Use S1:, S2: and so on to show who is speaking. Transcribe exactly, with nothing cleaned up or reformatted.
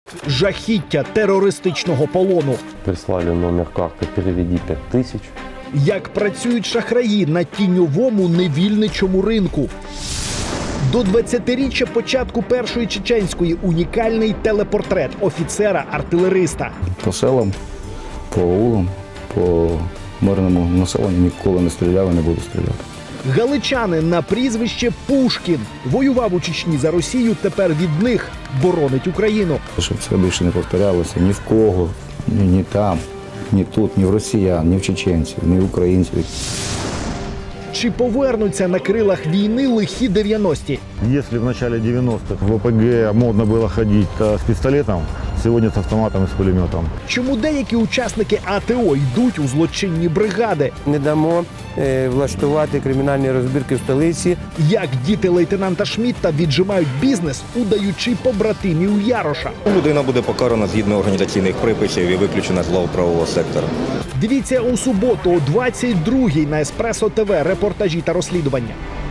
S1: Жахіття терористичного полону.
S2: Прислали номер карты, переведи пять тысяч.
S1: Як працюють шахраї на тіньовому невільничому ринку. До двадцятиріччя початку Першої чеченської унікальний телепортрет офіцера-артилериста.
S3: По селам, по аулам, по мирному населенню ніколи не стріляв і не буду стріляти.
S1: Галичанин на прізвище Пушкін. Воював у Чечні за Росію, тепер від них боронить Україну.
S3: Щоб це більше не повторялося ні в кого, ні, ні там, ні тут, ні в росіян, ні в чеченців, ні в українців.
S1: Чи повернуться на крилах війни лихі дев'яності?
S4: Если в начале девяностых в ОПГ модно было ходить с пистолетом, сегодня с автоматом и с пулеметом.
S1: Чому деякі учасники АТО йдуть у злочинні бригади?
S5: Не дамо е, влаштувати кримінальні розбірки в столиці.
S1: Як діти лейтенанта Шмідта віджимають бізнес, удаючи побратимів Яроша?
S6: Людина буде покарана згідно організаційних приписів і виключена з лав правового сектора.
S1: Дивіться у суботу о двадцять другій на Еспресо ТВ репортажі та розслідування.